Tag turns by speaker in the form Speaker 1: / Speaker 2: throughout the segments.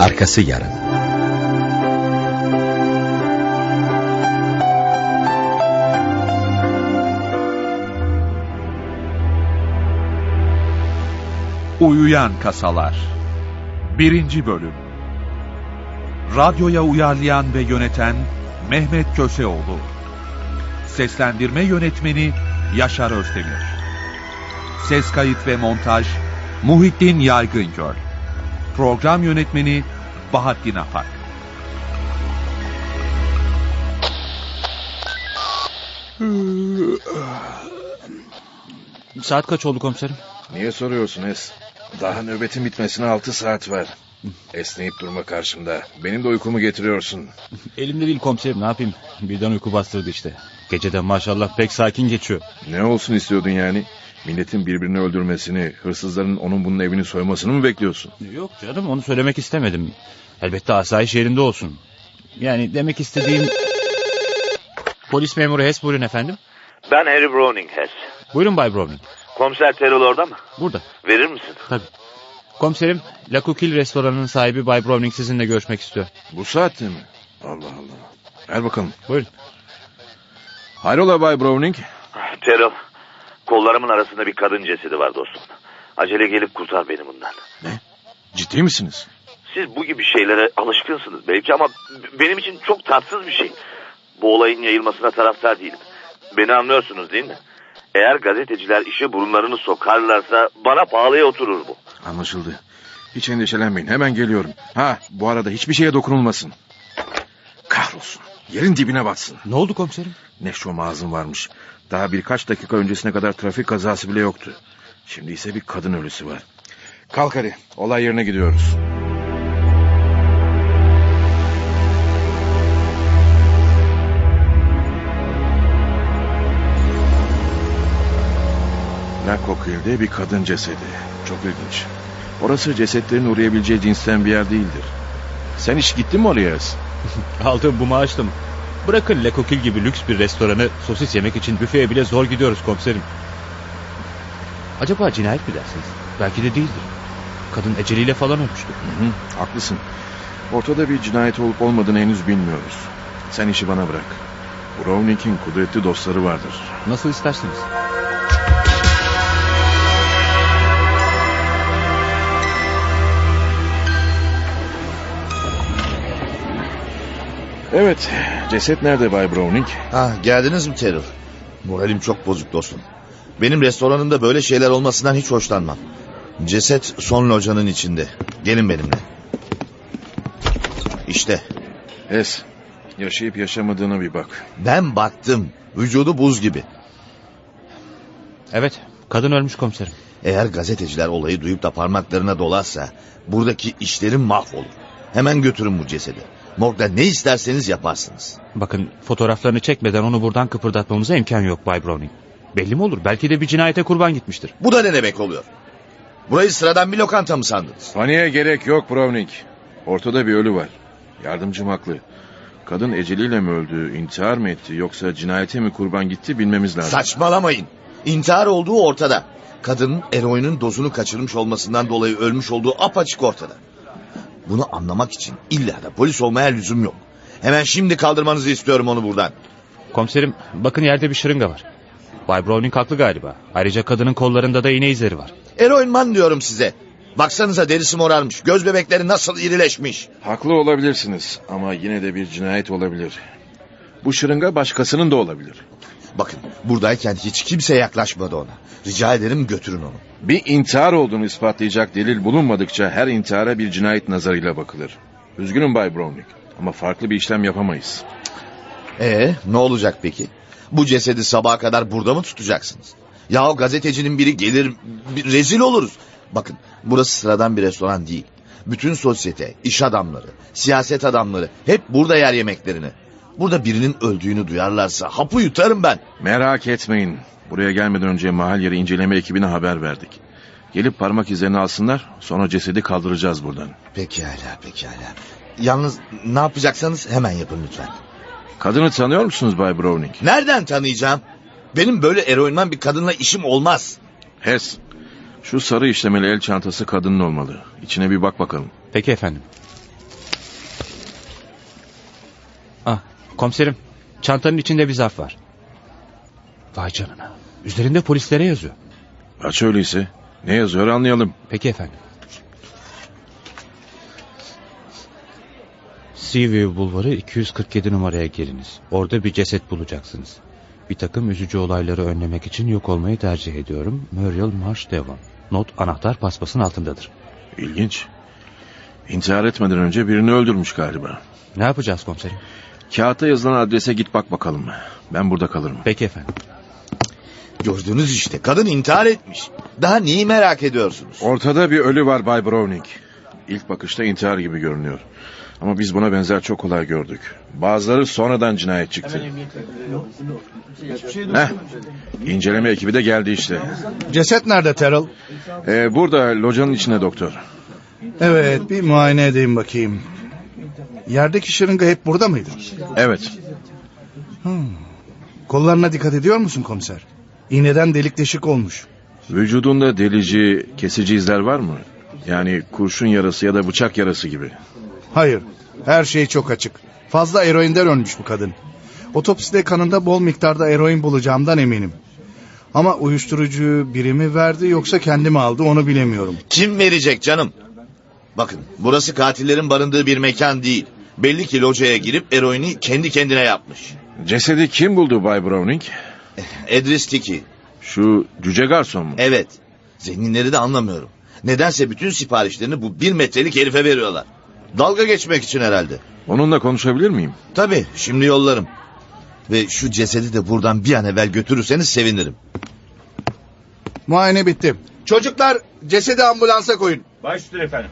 Speaker 1: Arkası yarın.
Speaker 2: Uyuyan Kasalar 1. Bölüm. Radyoya uyarlayan ve yöneten Mehmet Köseoğlu. Seslendirme yönetmeni Yaşar Özdemir. Ses kayıt ve montaj Muhittin Yaygıngöl. Program yönetmeni Bahattin Apak.
Speaker 3: Saat kaç oldu komiserim?
Speaker 4: Niye soruyorsun Es? Daha nöbetin bitmesine 6 saat var. Esneyip durma karşımda. Benim de uykumu getiriyorsun.
Speaker 3: Elimde değil komiserim, ne yapayım? Birden uyku bastırdı işte. Geceden maşallah pek sakin geçiyor.
Speaker 4: Ne olsun istiyordun yani? Milletin birbirini öldürmesini, hırsızların onun bunun evini soymasını mı bekliyorsun?
Speaker 3: Yok canım, onu söylemek istemedim. Elbette asayiş yerinde olsun. Yani demek istediğim... Polis memuru Hess, buyurun efendim.
Speaker 5: Ben Harry Browning Hess.
Speaker 3: Buyurun Bay Browning.
Speaker 5: Komiser Terrell orada mı?
Speaker 3: Burada.
Speaker 5: Verir misin?
Speaker 3: Tabii. Komiserim, La Coquille restoranının sahibi Bay Browning sizinle görüşmek istiyor.
Speaker 4: Bu saatte mi? Allah Allah. Ver bakalım.
Speaker 3: Buyurun.
Speaker 4: Hayrola Bay Browning?
Speaker 5: Terrell, kollarımın arasında bir kadın cesedi var dostum. Acele gelip kurtar beni bundan.
Speaker 4: Ne? Ciddi misiniz?
Speaker 5: Siz bu gibi şeylere alışkınsınız belki ama benim için çok tatsız bir şey. Bu olayın yayılmasına taraftar değilim. Beni anlıyorsunuz değil mi? Eğer gazeteciler işe burunlarını sokarlarsa bana pahalıya oturur bu.
Speaker 4: Anlaşıldı. Hiç endişelenmeyin, hemen geliyorum. Ha, bu arada hiçbir şeye dokunulmasın. Kahrolsun. Yerin dibine batsın.
Speaker 3: Ne oldu komiserim?
Speaker 4: Ne şom ağzım varmış. Daha birkaç dakika öncesine kadar trafik kazası bile yoktu. Şimdi ise bir kadın ölüsü var. Kalk hadi, olay yerine gidiyoruz. La Coquille'de bir kadın cesedi. Çok ilginç. Orası cesetlerin uğrayabileceği cinsten bir yer değildir. Sen hiç gittin mi oraya?
Speaker 3: Aldığım bu maaşla mı? Bırakın La Coquille gibi lüks bir restoranı, sosis yemek için büfeye bile zor gidiyoruz komiserim. Acaba cinayet mi dersiniz? Belki de değildir. Kadın eceliyle falan ölmüştü.
Speaker 4: Haklısın. Ortada bir cinayet olup olmadığını henüz bilmiyoruz. Sen işi bana bırak. Browning'in kudretli dostları vardır.
Speaker 3: Nasıl isterseniz.
Speaker 4: Evet, ceset nerede Bay Browning?
Speaker 6: Geldiniz mi Terrell? Moralim çok bozuk dostum. Benim restoranımda böyle şeyler olmasından hiç hoşlanmam. Ceset son locanın içinde. Gelin benimle. İşte.
Speaker 4: Es, yaşayıp yaşamadığına bir bak.
Speaker 6: Ben baktım. Vücudu buz gibi.
Speaker 3: Evet, kadın ölmüş komiserim.
Speaker 6: Eğer gazeteciler olayı duyup da parmaklarına dolarsa buradaki işlerim mahvolur. Hemen götürün bu cesedi. Morgda ne isterseniz yaparsınız.
Speaker 3: Bakın, fotoğraflarını çekmeden onu buradan kıpırdatmamıza imkan yok Bay Browning. Belli mi olur? Belki de bir cinayete kurban gitmiştir.
Speaker 6: Bu da ne demek oluyor? Burayı sıradan bir lokanta mı sandınız?
Speaker 4: Paniğe gerek yok Browning. Ortada bir ölü var. Yardımcım haklı. Kadın eceliyle mi öldü, intihar mı etti yoksa cinayete mi kurban gitti bilmemiz lazım.
Speaker 6: Saçmalamayın. İntihar olduğu ortada. Kadının eroinin dozunu kaçırmış olmasından dolayı ölmüş olduğu apaçık ortada. Bunu anlamak için illa da polis olmaya lüzum yok. Hemen şimdi kaldırmanızı istiyorum onu buradan.
Speaker 3: Komiserim, bakın yerde bir şırınga var. Bay Browning haklı galiba. Ayrıca kadının kollarında da iğne izleri var.
Speaker 6: Eroinman diyorum size. Baksanıza derisi morarmış. Göz bebekleri nasıl irileşmiş.
Speaker 4: Haklı olabilirsiniz ama yine de bir cinayet olabilir. Bu şırınga başkasının da olabilir.
Speaker 6: Bakın, buradayken hiç kimse yaklaşmadı ona. Rica ederim götürün onu.
Speaker 4: Bir intihar olduğunu ispatlayacak delil bulunmadıkça her intihara bir cinayet nazarıyla bakılır. Üzgünüm Bay Browning ama farklı bir işlem yapamayız.
Speaker 6: Ne olacak peki? Bu cesedi sabaha kadar burada mı tutacaksınız? Yahu gazetecinin biri gelir, rezil oluruz. Bakın, burası sıradan bir restoran değil. Bütün sosyete, iş adamları, siyaset adamları hep burada yer yemeklerini. Burada birinin öldüğünü duyarlarsa hapı yutarım ben.
Speaker 4: Merak etmeyin. Buraya gelmeden önce mahal yeri inceleme ekibine haber verdik. Gelip parmak izlerini alsınlar, sonra cesedi kaldıracağız buradan.
Speaker 6: Pekala. Yalnız ne yapacaksanız hemen yapın lütfen.
Speaker 4: Kadını tanıyor musunuz Bay Browning?
Speaker 6: Nereden tanıyacağım? Benim böyle eroinman bir kadınla işim olmaz.
Speaker 4: Hess, şu sarı işlemeli el çantası kadının olmalı. İçine bir bak bakalım.
Speaker 3: Peki efendim. Komiserim, çantanın içinde bir zarf var. Vay canına. Üzerinde polislere yazıyor.
Speaker 4: Aç öyleyse. Ne yazıyor anlayalım.
Speaker 3: Peki efendim. Seaview Bulvarı 247 numaraya geliniz. Orada bir ceset bulacaksınız. Bir takım üzücü olayları önlemek için yok olmayı tercih ediyorum. Muriel Marsh Devon. Not anahtar paspasın altındadır.
Speaker 4: İlginç. İntihar etmeden önce birini öldürmüş galiba.
Speaker 3: Ne yapacağız komiserim?
Speaker 4: Kağıtta yazılan adrese git bak bakalım. Ben burada kalırım.
Speaker 3: Peki efendim.
Speaker 6: Gördünüz işte, kadın intihar etmiş. Daha neyi merak ediyorsunuz?
Speaker 4: Ortada bir ölü var Bay Browning. İlk bakışta intihar gibi görünüyor. Ama biz buna benzer çok olay gördük. Bazıları sonradan cinayet çıktı. İnceleme ekibi de geldi işte.
Speaker 1: Ceset nerede Terrell?
Speaker 4: Burada locanın içinde doktor.
Speaker 1: Evet, bir muayene edeyim bakayım. Yerdeki şırınga hep burada mıydı?
Speaker 4: Evet.
Speaker 1: Kollarına dikkat ediyor musun komiser? İğneden delik deşik olmuş.
Speaker 4: Vücudunda delici, kesici izler var mı? Yani kurşun yarası ya da bıçak yarası gibi.
Speaker 1: Hayır, her şey çok açık. Fazla eroinden ölmüş bu kadın. Otopside kanında bol miktarda eroin bulacağımdan eminim. Ama uyuşturucu biri mi verdi yoksa kendi mi aldı onu bilemiyorum.
Speaker 6: Kim verecek canım? Bakın, burası katillerin barındığı bir mekan değil. Belli ki locaya girip eroini kendi kendine yapmış.
Speaker 4: Cesedi kim buldu Bay Browning?
Speaker 6: Edris Tiki.
Speaker 4: Şu cüce garson mu?
Speaker 6: Evet. Zenginleri de anlamıyorum. Nedense bütün siparişlerini bu 1 metrelik herife veriyorlar. Dalga geçmek için herhalde.
Speaker 4: Onunla konuşabilir miyim?
Speaker 6: Tabii, şimdi yollarım. Ve şu cesedi de buradan bir an evvel götürürseniz sevinirim.
Speaker 1: Muayene bitti. Çocuklar, cesedi ambulansa koyun.
Speaker 3: Baş üstüne efendim.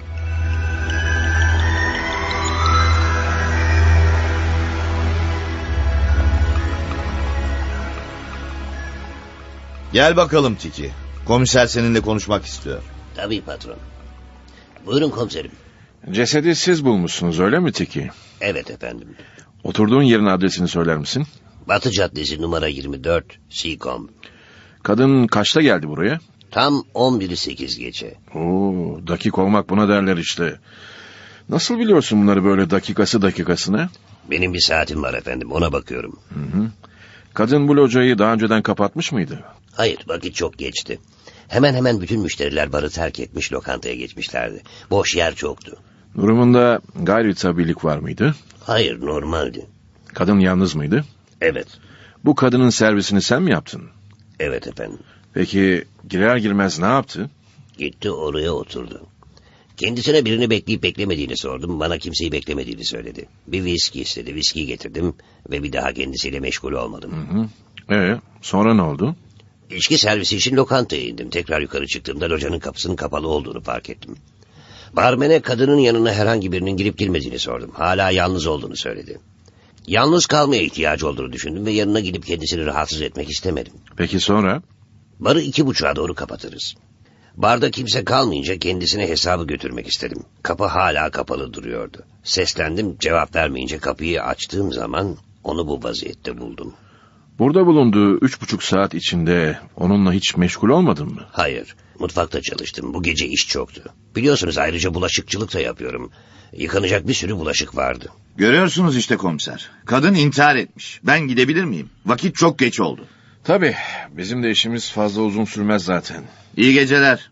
Speaker 6: Gel bakalım Tiki. Komiser seninle konuşmak istiyor.
Speaker 7: Tabii patron. Buyurun komiserim.
Speaker 4: Cesedi siz bulmuşsunuz öyle mi Tiki?
Speaker 7: Evet efendim.
Speaker 4: Oturduğun yerin adresini söyler misin?
Speaker 7: Batı Caddesi numara 24 Seacombe.
Speaker 4: Kadın kaçta geldi buraya?
Speaker 7: Tam 11'i 8 geçe.
Speaker 4: Oo, dakik olmak buna derler işte. Nasıl biliyorsun bunları böyle dakikasına?
Speaker 7: Benim bir saatim var efendim, ona bakıyorum.
Speaker 4: Hı. Kadın bu locayı daha önceden kapatmış mıydı?
Speaker 7: Hayır, vakit çok geçti. Hemen bütün müşteriler barı terk etmiş, lokantaya geçmişlerdi. Boş yer çoktu.
Speaker 4: Durumunda gayri tabiilik var mıydı?
Speaker 7: Hayır, normaldi.
Speaker 4: Kadın yalnız mıydı?
Speaker 7: Evet.
Speaker 4: Bu kadının servisini sen mi yaptın?
Speaker 7: Evet efendim.
Speaker 4: Peki girer girmez ne yaptı?
Speaker 7: Gitti oraya oturdu. Kendisine birini bekleyip beklemediğini sordum. Bana kimseyi beklemediğini söyledi. Bir viski istedi. Viski getirdim ve bir daha kendisiyle meşgul olmadım.
Speaker 4: Sonra ne oldu?
Speaker 7: İçki servisi için lokantaya indim. Tekrar yukarı çıktığımda locanın kapısının kapalı olduğunu fark ettim. Barmene kadının yanına herhangi birinin girip girmediğini sordum. Hala yalnız olduğunu söyledi. Yalnız kalmaya ihtiyacı olduğunu düşündüm ve yanına gidip kendisini rahatsız etmek istemedim.
Speaker 4: Peki sonra?
Speaker 7: Barı 2:30'a doğru kapatırız. Barda kimse kalmayınca kendisine hesabı götürmek istedim. Kapı hala kapalı duruyordu. Seslendim, cevap vermeyince kapıyı açtığım zaman onu bu vaziyette buldum.
Speaker 4: Burada bulunduğu 3,5 saat içinde onunla hiç meşgul olmadın mı?
Speaker 7: Hayır, mutfakta çalıştım. Bu gece iş çoktu. Biliyorsunuz ayrıca bulaşıkçılık da yapıyorum. Yıkanacak bir sürü bulaşık vardı.
Speaker 6: Görüyorsunuz işte komiser. Kadın intihar etmiş. Ben gidebilir miyim? Vakit çok geç oldu.
Speaker 4: Tabii, bizim de işimiz fazla uzun sürmez zaten.
Speaker 6: İyi geceler.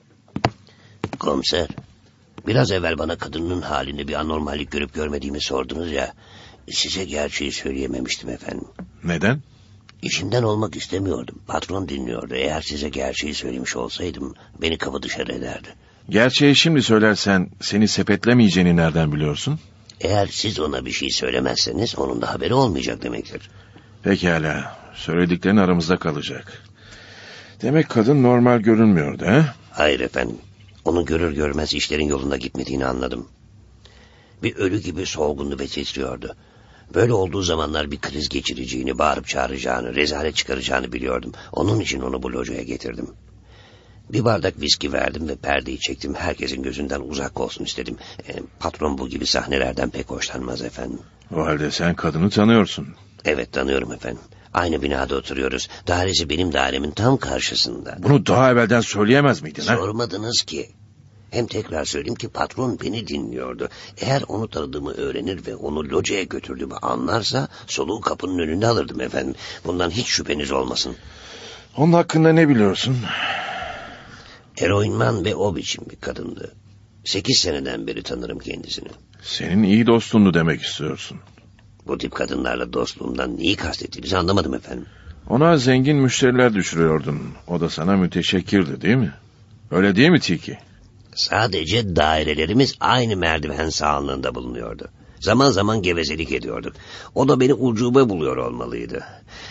Speaker 7: Komiser, biraz evvel bana kadının halinde bir anormallik görüp görmediğimi sordunuz ya. Size gerçeği söyleyememiştim efendim.
Speaker 4: Neden?
Speaker 7: İşimden olmak istemiyordum. Patron dinliyordu. Eğer size gerçeği söylemiş olsaydım beni kapı dışarı ederdi.
Speaker 4: Gerçeği şimdi söylersen seni sepetlemeyeceğini nereden biliyorsun?
Speaker 7: Eğer siz ona bir şey söylemezseniz onun da haberi olmayacak demektir.
Speaker 4: Pekala, söylediklerin aramızda kalacak. Demek kadın normal görünmüyordu ha?
Speaker 7: Hayır efendim. Onu görür görmez işlerin yolunda gitmediğini anladım. Bir ölü gibi solgundu ve titriyordu. Böyle olduğu zamanlar bir kriz geçireceğini, bağırıp çağıracağını, rezalet çıkaracağını biliyordum. Onun için onu bu locaya getirdim. Bir bardak viski verdim ve perdeyi çektim. Herkesin gözünden uzak olsun istedim. Patron bu gibi sahnelerden pek hoşlanmaz efendim.
Speaker 4: O halde sen kadını tanıyorsun.
Speaker 7: Evet, tanıyorum efendim. Aynı binada oturuyoruz. Dairesi benim dairemin tam karşısında.
Speaker 4: Bunu daha evvelden söyleyemez miydin ha?
Speaker 7: Sormadınız ki. Hem tekrar söyleyeyim ki patron beni dinliyordu. Eğer onu tanıdığımı öğrenir ve onu locaya götürdüğümü anlarsa soluğu kapının önünde alırdım efendim. Bundan hiç şüpheniz olmasın.
Speaker 4: Onun hakkında ne biliyorsun?
Speaker 7: Eroinman ve o biçim bir kadındı. 8 seneden beri tanırım kendisini.
Speaker 4: Senin iyi dostundu demek istiyorsun.
Speaker 7: Bu tip kadınlarla dostluğumdan neyi kastettiğinizi anlamadım efendim.
Speaker 4: Ona zengin müşteriler düşürüyordun. O da sana müteşekkirdi değil mi? Öyle değil mi Tiki?
Speaker 7: Sadece dairelerimiz aynı merdiven sağlığında bulunuyordu. Zaman zaman gevezelik ediyorduk. O da beni ucube buluyor olmalıydı.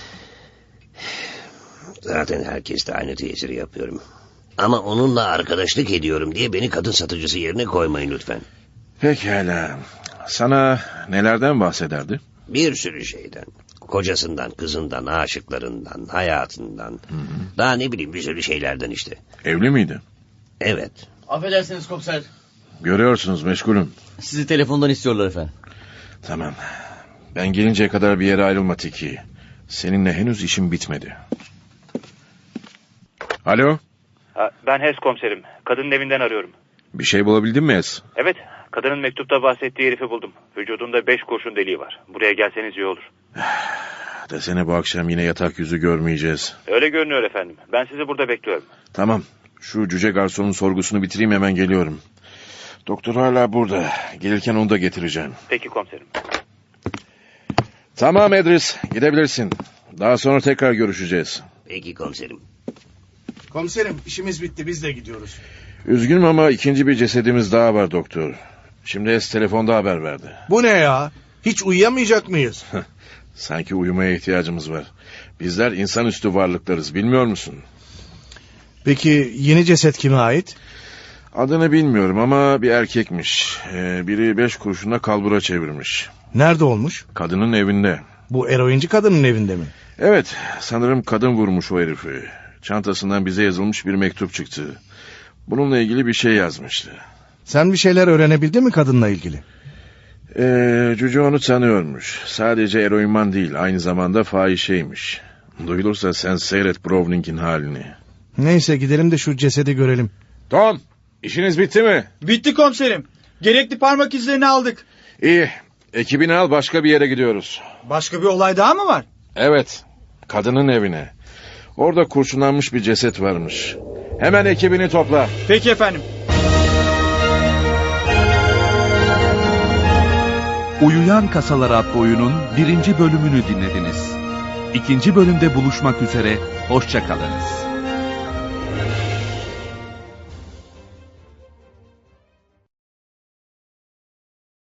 Speaker 7: Zaten herkeste aynı tesiri yapıyorum. Ama onunla arkadaşlık ediyorum diye beni kadın satıcısı yerine koymayın lütfen.
Speaker 4: Pekala. Sana nelerden bahsederdi?
Speaker 7: Bir sürü şeyden. Kocasından, kızından, aşıklarından, hayatından. Daha ne bileyim bir sürü şeylerden işte.
Speaker 4: Evli miydi?
Speaker 7: Evet.
Speaker 8: Affedersiniz komiser.
Speaker 4: Görüyorsunuz meşgulüm.
Speaker 8: Sizi telefondan istiyorlar efendim.
Speaker 4: Tamam. Ben gelinceye kadar bir yere ayrılma Tiki. Seninle henüz işim bitmedi. Alo?
Speaker 9: Ben Hes komiserim. Kadının evinden arıyorum.
Speaker 4: Bir şey bulabildin mi Es?
Speaker 9: Evet, kadının mektupta bahsettiği herifi buldum. Vücudunda 5 kurşun deliği var. Buraya gelseniz iyi olur.
Speaker 4: Desene bu akşam yine yatak yüzü görmeyeceğiz.
Speaker 9: Öyle görünüyor efendim. Ben sizi burada bekliyorum.
Speaker 4: Tamam. Şu cüce garsonun sorgusunu bitireyim, hemen geliyorum. Doktor hala burada. Gelirken onu da getireceğim.
Speaker 9: Peki komiserim.
Speaker 4: Tamam Edris, gidebilirsin. Daha sonra tekrar görüşeceğiz.
Speaker 7: Peki komiserim.
Speaker 1: Komiserim işimiz bitti, biz de gidiyoruz.
Speaker 4: Üzgünüm ama ikinci bir cesedimiz daha var doktor. Şimdi Es telefonda haber verdi.
Speaker 1: Bu ne ya? Hiç uyuyamayacak mıyız?
Speaker 4: Sanki uyumaya ihtiyacımız var. Bizler insanüstü varlıklarız, bilmiyor musun?
Speaker 1: Peki yeni ceset kime ait?
Speaker 4: Adını bilmiyorum ama bir erkekmiş. Biri 5 kurşuna kalbura çevirmiş.
Speaker 1: Nerede olmuş?
Speaker 4: Kadının evinde.
Speaker 1: Bu eroinci kadının evinde mi?
Speaker 4: Evet, sanırım kadın vurmuş o herifi. Çantasından bize yazılmış bir mektup çıktı. Bununla ilgili bir şey yazmıştı.
Speaker 1: Sen bir şeyler öğrenebildin mi kadınla ilgili?
Speaker 4: Cüce onu tanıyormuş. Sadece eroinman değil, aynı zamanda fahişeymiş. Duyulursa sen seyret Browning'in halini.
Speaker 1: Neyse gidelim de şu cesedi görelim.
Speaker 4: Tom, işiniz bitti mi?
Speaker 8: Bitti komiserim. Gerekli parmak izlerini aldık.
Speaker 4: İyi, ekibini al, başka bir yere gidiyoruz.
Speaker 8: Başka bir olay daha mı var?
Speaker 4: Evet, kadının evine. Orada kurşunlanmış bir ceset varmış. Hemen ekibini topla.
Speaker 8: Peki efendim.
Speaker 2: Uyuyan Kasalar adlı oyunun 1. bölümünü dinlediniz. 2. bölümde buluşmak üzere, hoşça kalınız.